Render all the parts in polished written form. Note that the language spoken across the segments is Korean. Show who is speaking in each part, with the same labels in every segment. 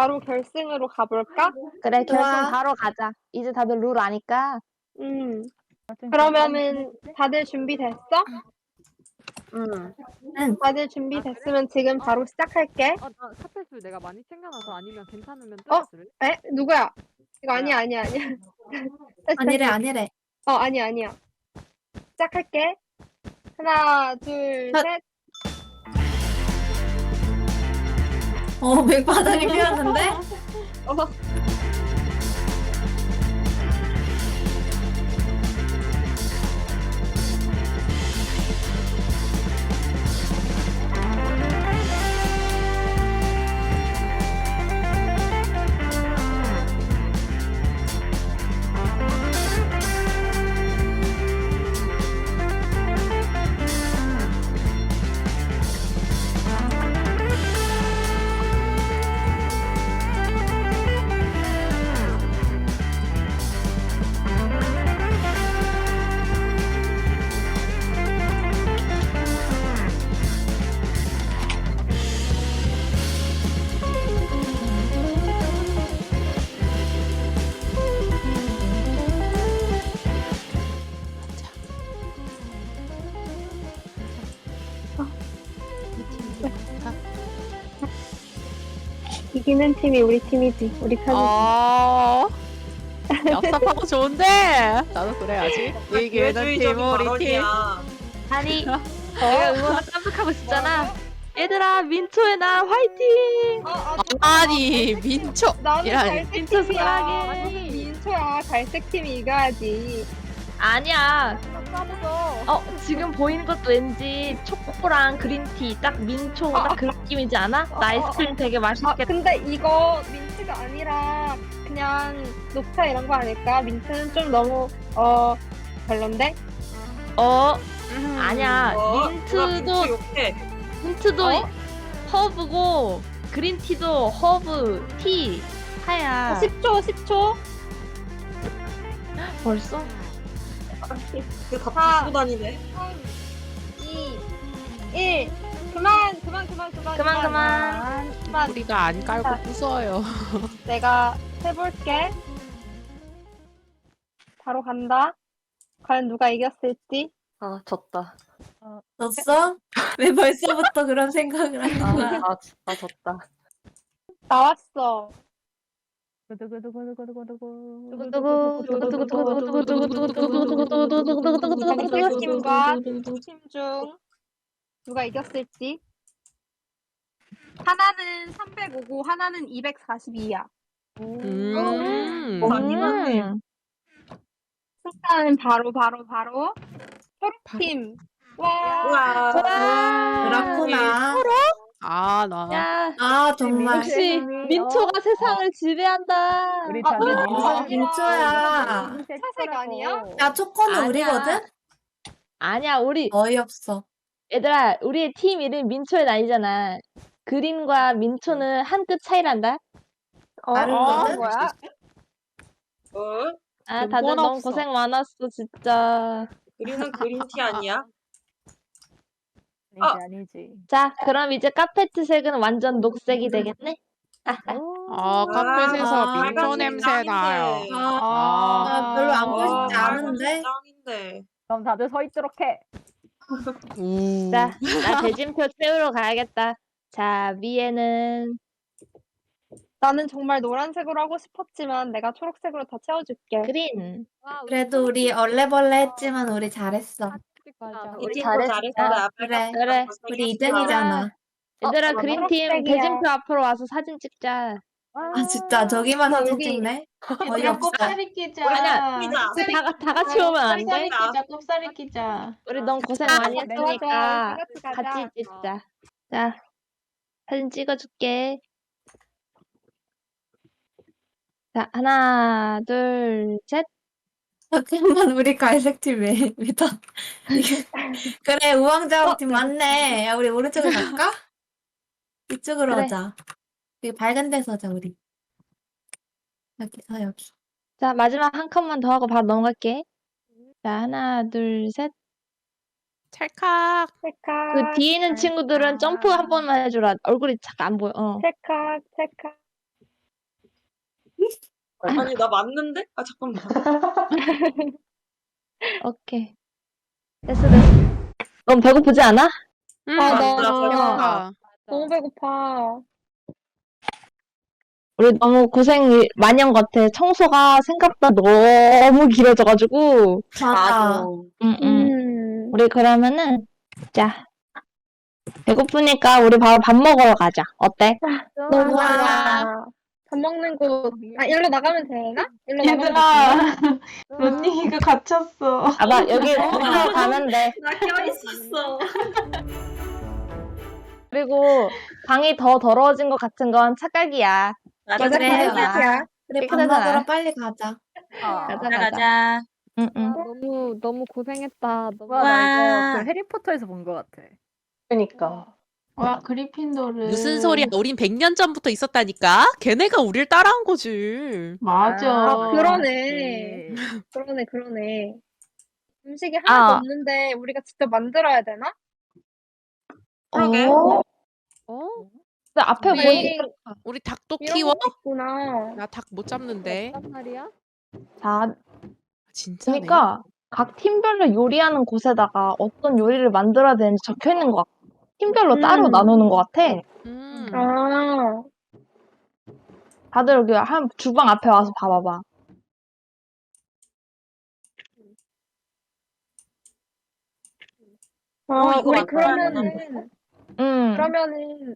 Speaker 1: 바로 결승으로 가볼까?
Speaker 2: 그래, 결승
Speaker 3: 좋아.
Speaker 2: 바로 가자. 이제 다들 룰 아니까.
Speaker 1: 그러면은 다들 준비됐어?
Speaker 2: 응.
Speaker 1: 다들 준비됐으면 지금 바로 시작할게.
Speaker 4: 나 카페술 내가 많이 챙겨놔서 아니면 괜찮으면
Speaker 1: 어?
Speaker 4: 뜯어줄래?
Speaker 1: 에? 누구야? 이거
Speaker 4: 뭐야?
Speaker 1: 아니야.
Speaker 3: 아니래, 아니래.
Speaker 1: 아니야. 시작할게. 하나, 둘,
Speaker 3: 하-
Speaker 1: 셋.
Speaker 3: 맥바닥이 피었는데?
Speaker 1: 어, 이기는 팀이 우리 팀이지. 우리 편이지.
Speaker 5: 얍삽하고 좋은데 나도 그래야지. 이기는 팀 우리 팀.
Speaker 2: 아니, 내가 응원을 깜빡하고 있었잖아. 얘들아, 민초의 날 화이팅!
Speaker 5: 아니 민초
Speaker 1: 나는
Speaker 5: 이라니.
Speaker 1: 갈색
Speaker 2: 민초
Speaker 1: 팀이야.
Speaker 2: 사랑해.
Speaker 1: 무슨 민초야. 갈색 팀이 이겨야지.
Speaker 2: 아니야.
Speaker 4: 싸먹어.
Speaker 2: 지금 보이는 것도 왠지 초코랑 그린티, 딱 민초 딱 그 느낌이지 않아? 나 아이스크림 되게 맛있겠다.
Speaker 1: 근데 이거 민트가 아니라 그냥 녹차 이런 거 아닐까? 민트는 좀 너무 별론데?
Speaker 2: 아니야. 민트도 허브고 그린티도 허브 티 파야.
Speaker 1: 10초.
Speaker 2: 벌써?
Speaker 6: 이거 다 부수고 다니네.
Speaker 1: 3, 2, 1. 그만.
Speaker 5: 우리가 안 깔고 부숴요.
Speaker 1: 내가 해볼게. 바로 간다. 과연 누가 이겼을지.
Speaker 2: 졌다.
Speaker 3: 졌어? 왜 벌써부터 그런 생각을 하는 거야?
Speaker 2: 나 졌다.
Speaker 1: 나왔어. 팀과 팀 중 누가 이겼을지. 하나는 305고 하나는 242야. 승자는 바로 초록팀. 와.
Speaker 3: 그렇구나.
Speaker 5: 나
Speaker 2: 야,
Speaker 3: 정말.
Speaker 2: 역시 민초가 세상을 지배한다.
Speaker 4: 우리
Speaker 3: 무슨 민초야.
Speaker 1: 차색 아니야?
Speaker 3: 야, 초코는
Speaker 2: 아니야.
Speaker 3: 우리거든?
Speaker 2: 아니야, 우리
Speaker 3: 어이없어.
Speaker 2: 얘들아, 우리의 팀 이름 민초의 날이잖아. 그린과 민초는 한 끗 차이란다.
Speaker 3: 다른거든?
Speaker 1: 뭐야?
Speaker 2: 다들
Speaker 5: 근본
Speaker 2: 너무
Speaker 5: 없어.
Speaker 2: 고생 많았어, 진짜.
Speaker 6: 우리는 그린티 아니야?
Speaker 4: 아니지.
Speaker 2: 자, 그럼 이제 카페트 색은 완전 녹색이 되겠네?
Speaker 5: 카펫에서 민초
Speaker 6: 빨간색
Speaker 5: 냄새 나요.
Speaker 6: 짱인데.
Speaker 3: 나 별로 안 보고 싶지
Speaker 6: 아,
Speaker 3: 않은데?
Speaker 6: 짱인데.
Speaker 4: 그럼 다들 서 있도록 해.
Speaker 2: 자, 나 대진표 채우러 가야겠다. 자, 위에는
Speaker 1: 나는 정말 노란색으로 하고 싶었지만 내가 초록색으로 다 채워줄게.
Speaker 2: 그린.
Speaker 3: 그래도 우리 얼레벌레 했지만 우리 잘했어.
Speaker 2: 우리
Speaker 6: 우리
Speaker 2: 잘했어.
Speaker 6: 잘했어.
Speaker 3: 그래. 우리 2등이잖아.
Speaker 2: 얘들아,
Speaker 1: 나
Speaker 2: 그린팀
Speaker 1: 초록색이야.
Speaker 2: 대진표 앞으로 와서 사진 찍자.
Speaker 3: 진짜 저기만 사진
Speaker 1: 여기.
Speaker 3: 찍네?
Speaker 7: 얘들아
Speaker 3: 어이없어.
Speaker 7: 곱살이 끼자.
Speaker 2: 아니야. 다 같이 오면 안 돼?
Speaker 7: 곱살이 끼자.
Speaker 2: 우리 너무 고생 많이
Speaker 1: 좋아.
Speaker 2: 했으니까
Speaker 1: 같이 가자.
Speaker 2: 같이 찍자. 자, 사진 찍어줄게. 자, 하나, 둘, 셋.
Speaker 3: 잠깐만, 우리 갈색 팀 왜 다. 그래, 우왕좌왕 팀 맞네. 야, 우리 오른쪽으로 갈까? 이쪽으로
Speaker 2: 그래.
Speaker 3: 오자. 여기 밝은 데서 오자, 우리. 여기.
Speaker 2: 자, 마지막 한 컷만 더 하고 바로 넘어갈게. 자, 하나, 둘, 셋.
Speaker 5: 찰칵.
Speaker 2: 그 뒤에 있는 친구들은 점프 한 번만 해주라. 얼굴이 잠깐 안 보여.
Speaker 1: 찰칵.
Speaker 6: 아니 나 맞는데? 아 잠깐만.
Speaker 2: 오케이. 됐어. 넌 배고프지 않아?
Speaker 5: 응,
Speaker 1: 아,
Speaker 6: 나
Speaker 5: 나
Speaker 6: 배고파.
Speaker 5: 배고파.
Speaker 1: 너무 배고파.
Speaker 2: 우리 너무 고생 많이 한 것 같아. 청소가 생각보다 너무 길어져가지고.
Speaker 3: 맞아.
Speaker 1: 음.
Speaker 2: 우리 그러면은, 자, 배고프니까 우리 바로 밥 먹으러 가자. 어때?
Speaker 1: 너무
Speaker 3: 좋아.
Speaker 1: 좋아. 밥 먹는 곳. 아, 일로 나가면 되나? 일로 나가면
Speaker 7: 얘들아,
Speaker 1: 되나?
Speaker 7: 런닝이가 갇혔어.
Speaker 2: 아마 여기 밑으로 가면 돼.
Speaker 6: 나 껴있었어.
Speaker 2: 그리고 방이 더 더러워진 것 같은 건 착각이야.
Speaker 1: 맞아,
Speaker 3: 그래,
Speaker 1: 그래,
Speaker 3: 맞아.
Speaker 1: 끝이야.
Speaker 3: 그래, 밥
Speaker 2: 깨끗하잖아.
Speaker 3: 먹으러 빨리 가자.
Speaker 2: 가자. 응, 응.
Speaker 4: 너무 고생했다. 너무
Speaker 5: 와.
Speaker 4: 나 이거 그 해리포터에서 본 것 같아.
Speaker 7: 그니까. 와, 그리핀도르.
Speaker 5: 무슨 소리야? 우린 100년 전부터 있었다니까? 걔네가 우릴 따라한 거지.
Speaker 7: 맞아.
Speaker 1: 아, 그러네.
Speaker 4: 네.
Speaker 1: 그러네. 음식이 하나도
Speaker 2: 아.
Speaker 1: 없는데 우리가 직접 만들어야 되나?
Speaker 6: 그러게.
Speaker 2: 어?
Speaker 4: 어?
Speaker 2: 근데 앞에
Speaker 5: 우리-
Speaker 2: 보니,
Speaker 5: 우리 닭도
Speaker 1: 이런
Speaker 5: 키워?
Speaker 1: 것도 있구나.
Speaker 5: 나 닭 못 잡는데.
Speaker 4: 어떤 말이야?
Speaker 2: 자,
Speaker 5: 진짜네.
Speaker 2: 그러니까 각 팀별로 요리하는 곳에다가 어떤 요리를 만들어야 되는지 적혀 있는 것 같아. 팀별로 따로 나누는 것 같아.
Speaker 1: 아,
Speaker 2: 다들 여기 주방 앞에 와서 봐봐봐.
Speaker 1: 아,
Speaker 6: 이거
Speaker 1: 우리
Speaker 6: 만들어야
Speaker 1: 그러면은,
Speaker 2: 응.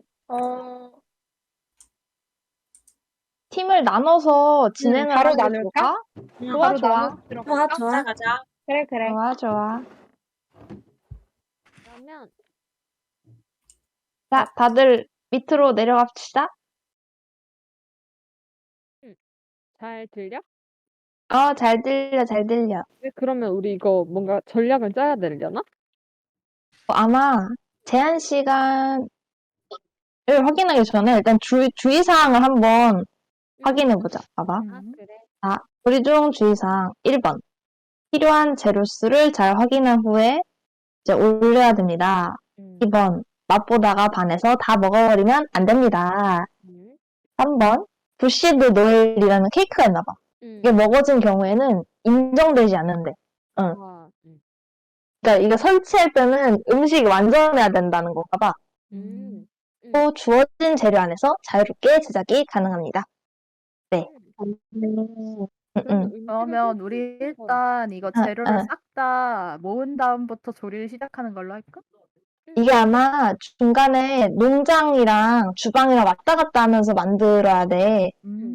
Speaker 2: 팀을 나눠서 진행을
Speaker 1: 바로
Speaker 2: 하는 게
Speaker 1: 나눌까?
Speaker 2: 좋을까? 좋아, 좋아.
Speaker 1: 나눠서 들어갈까?
Speaker 6: 가자.
Speaker 1: 그래.
Speaker 2: 좋아.
Speaker 4: 그러면
Speaker 2: 자, 다들 밑으로 내려갑시다.
Speaker 4: 잘 들려?
Speaker 2: 잘 들려.
Speaker 4: 네, 그러면 우리 이거 뭔가 전략을 짜야 되려나?
Speaker 2: 아마 제한 시간을 확인하기 전에 일단 주의사항을 한번 확인해보자. 봐봐.
Speaker 4: 아, 그래.
Speaker 2: 조리 중 주의사항 1번. 필요한 재료수를 잘 확인한 후에 이제 올려야 됩니다. 2번. 맛보다가 반해서 다 먹어버리면 안 됩니다. 3번. 부시드 노엘이라는 케이크가 있나봐. 이게 먹어진 경우에는 인정되지 않는데.
Speaker 4: 와,
Speaker 2: 그러니까 이거 설치할 때는 음식이 완전해야 된다는 건가 봐. 또 주어진 재료 안에서 자유롭게 제작이 가능합니다. 네.
Speaker 8: 그러면 우리 일단 이거 재료를 싹 다 모은 다음부터 조리를 시작하는 걸로 할까?
Speaker 2: 이게 아마 중간에 농장이랑 주방이랑 왔다 갔다 하면서 만들어야 돼.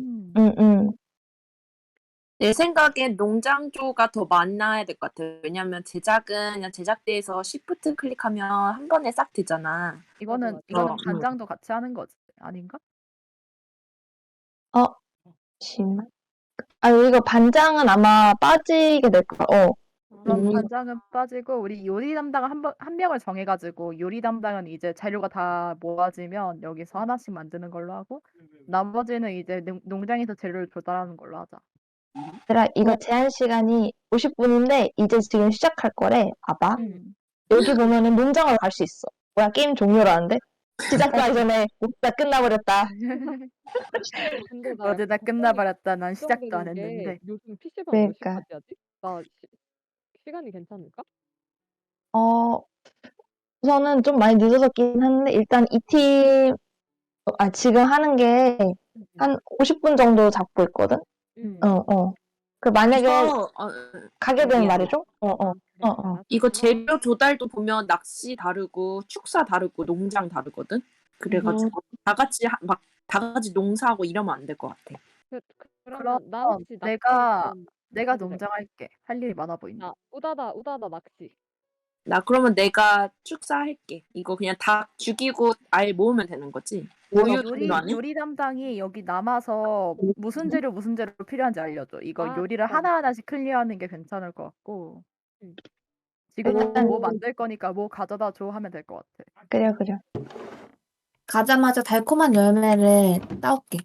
Speaker 9: 내 생각엔 농장조가 더 많아야 될 것 같아요. 왜냐면 제작은 그냥 제작대에서 시프트 클릭하면 한 번에 싹 되잖아.
Speaker 8: 이거는 간장도 같이 하는 거지 아닌가?
Speaker 2: 잠시만. 이거 반장은 아마 빠지게 될 거야.
Speaker 8: 그럼 간장은 빠지고 우리 요리 담당을 한 명을 정해가지고 요리 담당은 이제 재료가 다 모아지면 여기서 하나씩 만드는 걸로 하고 나머지는 이제 농장에서 재료를 조달하는 걸로 하자.
Speaker 2: 얘들아, 이거 제한 시간이 50분인데 이제 지금 시작할 거래. 봐봐. 여기 보면은 농장으로 갈 수 있어. 뭐야, 게임 종료라는데? 시작하기 전에 다 끝나버렸다.
Speaker 4: 근데 나
Speaker 8: 어제 다
Speaker 4: 약간
Speaker 8: 끝나버렸다. 난 시작도 안
Speaker 4: 걱정되는 게
Speaker 8: 했는데.
Speaker 4: 요즘 PC방 몇
Speaker 2: 그러니까.
Speaker 4: 시까지 하지? 나 시간이 괜찮을까?
Speaker 2: 우선은 좀 많이 늦어졌긴 한데 일단 이 팀, 지금 하는 게 한 50분 정도 잡고 있거든? 그 만약에
Speaker 9: 이거
Speaker 2: 가게 되면
Speaker 9: 미안해.
Speaker 2: 말이죠?
Speaker 9: 이거 재료 조달도 보면 낚시 다르고 축사 다르고 농장 다르거든. 그래가지고 다 같이 농사하고 이러면 안 될 것 같아.
Speaker 4: 그러면 나
Speaker 8: 그럼
Speaker 4: 혹시
Speaker 8: 내가
Speaker 4: 해도 돼?
Speaker 8: 농장할게. 할 일이 많아 보인다.
Speaker 4: 나 우다다 낚시.
Speaker 9: 나 그러면 내가 축사할게. 이거 그냥 닭 죽이고 알 모으면 되는 거지. 모유 정도 아니야?
Speaker 8: 요리 담당이 여기 남아서 무슨 재료 필요한지 알려줘. 이거 요리를
Speaker 4: 그래.
Speaker 8: 하나하나씩 클리어하는 게 괜찮을 것 같고. 지금은 뭐 만들 거니까 뭐 가져다 줘 하면 될 것 같아.
Speaker 2: 그래.
Speaker 3: 가자마자 달콤한 열매를 따올게.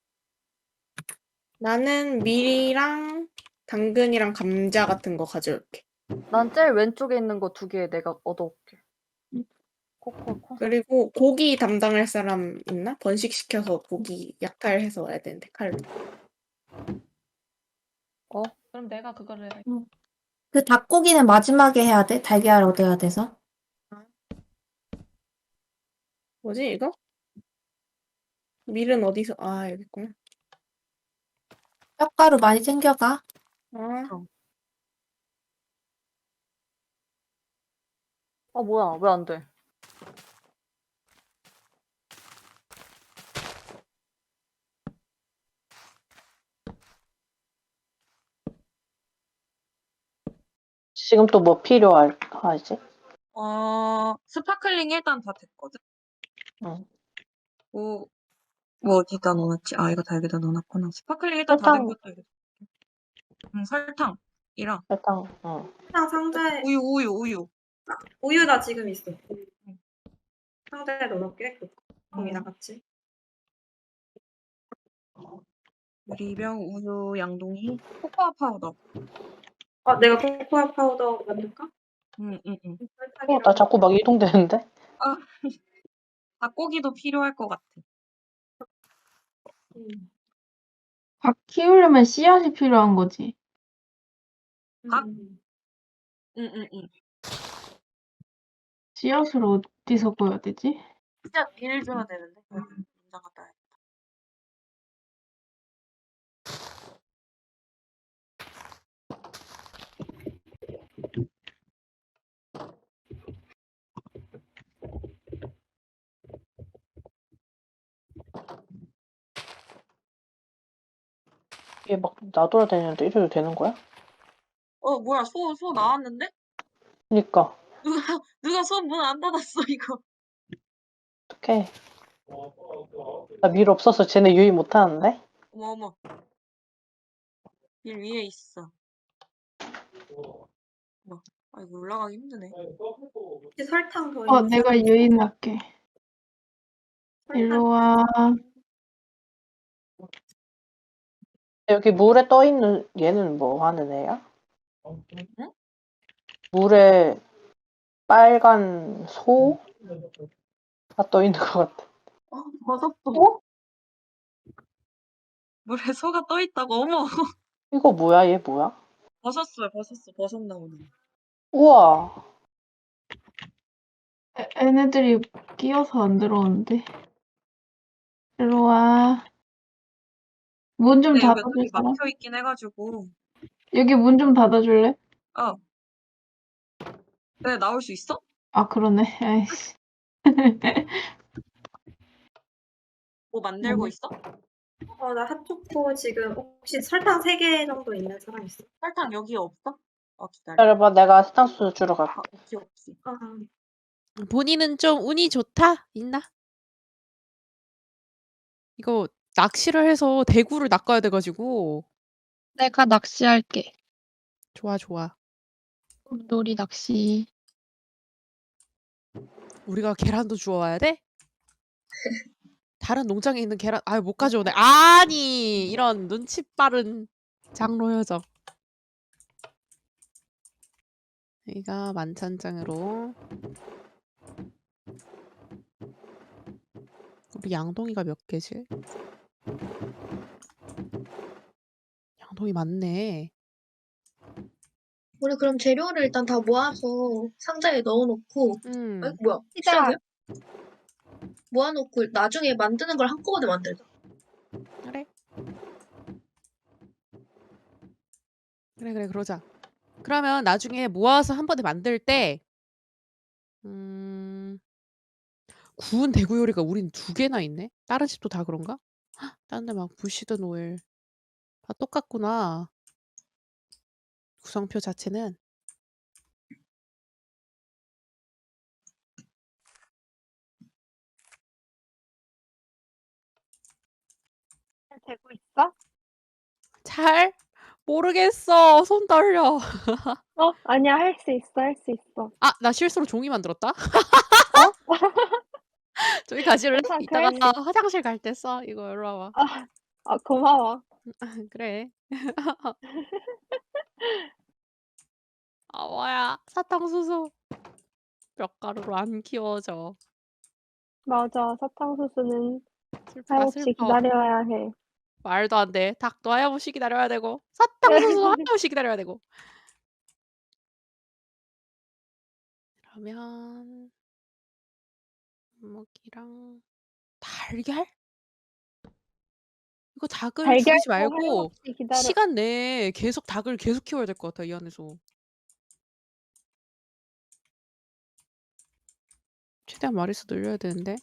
Speaker 10: 나는 밀이랑 당근이랑 감자 같은 거 가져올게.
Speaker 11: 난 제일 왼쪽에 있는 거 2개 내가 얻어올게. 코코코.
Speaker 10: 그리고 고기 담당할 사람 있나? 번식시켜서 고기 약탈해서 와야 되는데 칼로.
Speaker 7: 그럼 내가 그거를 할게.
Speaker 3: 그 닭고기는 마지막에 해야 돼? 달걀 얻어야 돼서.
Speaker 10: 뭐지, 이거? 밀은 어디서, 여기 있구나.
Speaker 3: 뼈가루 많이 챙겨가.
Speaker 11: 뭐야, 왜 안 돼?
Speaker 2: 지금 또 뭐 필요하지?
Speaker 6: 스파클링 일단 다 됐거든?
Speaker 2: 응.
Speaker 6: 뭐 어디다 넣어놨지? 이거 다 여기다 넣어놨구나. 스파클링 일단 다 된
Speaker 2: 설탕.
Speaker 6: 것도 여기. 설탕이랑
Speaker 2: 응.
Speaker 10: 설탕 상자에,
Speaker 6: 우유.
Speaker 10: 우유 나 지금 있어. 상자에 넣어놓을게. 거기다 같이.
Speaker 6: 유리병, 우유, 양동이, 코코아 파우더.
Speaker 10: 내가 코코아 파우더 만들까?
Speaker 6: 응.
Speaker 2: 나 자꾸 막 이동되는데?
Speaker 6: 닭고기도 필요할 것 같아.
Speaker 7: 닭 키우려면 씨앗이 필요한 거지.
Speaker 6: 닭? 응.
Speaker 7: 씨앗을 어디서 구해야 되지?
Speaker 6: 진짜 비를 줘야 되는데. 공장 갔다 와야겠다.
Speaker 2: 얘 막 나돌아다니는데 이래도 되는 거야?
Speaker 6: 뭐야, 소 나왔는데?
Speaker 2: 그니까.
Speaker 6: 누가 소 문 안 닫았어, 이거.
Speaker 2: 어떡해. 나 밀 없어서 쟤네 유의 못하는데?
Speaker 6: 어머. 빌 위에 있어. 이거 올라가기 힘드네.
Speaker 10: 혹시 설탕 더 있는
Speaker 7: 내가
Speaker 10: 사람 있어?
Speaker 7: 유인할게. 일로 와.
Speaker 2: 여기 물에 떠 있는 얘는 뭐 하는 애야?
Speaker 6: 응?
Speaker 2: 물에 빨간 소가 떠 있는 것 같아.
Speaker 6: 버섯도. 물에 소가 떠 있다고, 어머.
Speaker 2: 이거 뭐야? 얘 뭐야?
Speaker 6: 버섯 나오는.
Speaker 2: 우와.
Speaker 7: 얘네들이 끼어서 안 들어오는데. 일로 와. 문 좀
Speaker 6: 근데 여기
Speaker 7: 닫아줄
Speaker 6: 어차피
Speaker 7: 사람?
Speaker 6: 막혀 있긴 해가지고.
Speaker 7: 여기 문 좀 닫아줄래?
Speaker 6: 왜 나올 수 있어?
Speaker 7: 그러네. 아이씨.
Speaker 6: 뭐 만들고
Speaker 7: 네.
Speaker 6: 있어?
Speaker 10: 나 핫초코 지금 혹시 설탕 3개 정도 있는 사람 있어?
Speaker 6: 설탕 여기에 없어? 기다려.
Speaker 2: 기다려봐. 내가 사탕수수 주러 갈게.
Speaker 6: 없지.
Speaker 5: 본인은 좀 운이 좋다? 있나? 이거 낚시를 해서 대구를 낚아야 돼가지고.
Speaker 1: 내가 낚시할게.
Speaker 5: 좋아.
Speaker 1: 놀이 낚시.
Speaker 5: 우리가 계란도 주워와야 돼? 다른 농장에 있는 계란 못 가져오네. 아니 이런 눈치 빠른 장로 여정. 여기가 만찬장으로. 우리 양동이가 몇 개지? 양동이 많네.
Speaker 1: 우리 그럼 재료를 일단 다 모아서 상자에 넣어놓고, 뭐야? 시작이야? 모아놓고 나중에 만드는 걸 한꺼번에 만들자.
Speaker 5: 그래 그러자. 그러면 나중에 모아서 한 번에 만들 때 구운 대구 요리가 우린 2개나 있네? 다른 집도 다 그런가? 다른 데 막 부시드 오일 다 똑같구나. 구성표 자체는.
Speaker 1: 되고 있어?
Speaker 5: 잘 모르겠어. 손 떨려.
Speaker 1: 아니야, 할 수 있어.
Speaker 5: 나 실수로 종이 만들었다. 저기 가실래?
Speaker 1: 괜찮아,
Speaker 5: 이따가
Speaker 1: 그럴 수
Speaker 5: 화장실 갈 때 써. 이거 일로 와봐.
Speaker 1: 고마워.
Speaker 5: 그래. 뭐야. 사탕수수. 뼈가루로 안 키워져.
Speaker 1: 맞아, 사탕수수는
Speaker 5: 슬프다
Speaker 1: 하염없이
Speaker 5: 슬퍼.
Speaker 1: 기다려야 해.
Speaker 5: 말도 안 돼. 닭도 하염없이 기다려야 되고 사탕수수 하염없이 기다려야 되고. 그러면 먹이랑 달걀? 이거 닭을
Speaker 1: 달걀도
Speaker 5: 죽이지 말고
Speaker 1: 하염없이 기다려.
Speaker 5: 시간 내에 계속 닭을 계속 키워야 될 것 같아 이 안에서. 최대한 마리수 늘려야 되는데.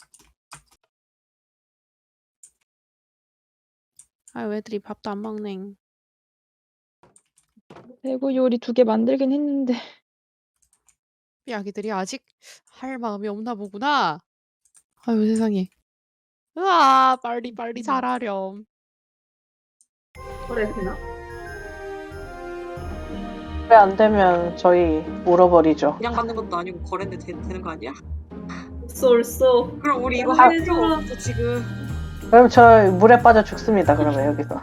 Speaker 5: 아유 애들이 밥도 안 먹네.
Speaker 12: 대구 요리 2개 만들긴 했는데.
Speaker 5: 이 아기들이 아직 할 마음이 없나 보구나. 아유 세상에. 으아 빨리 자라렴.
Speaker 10: 그래 되나?
Speaker 13: 왜 안 되면 저희 물어버리죠.
Speaker 6: 그냥 받는 것도 아니고 거래인데 되는 거 아니야?
Speaker 10: 쏠쏘.
Speaker 6: 그럼 우리 이거
Speaker 13: 아.
Speaker 6: 할 필요가 없어 지금.
Speaker 13: 그럼 저 물에 빠져 죽습니다. 그러면 여기서.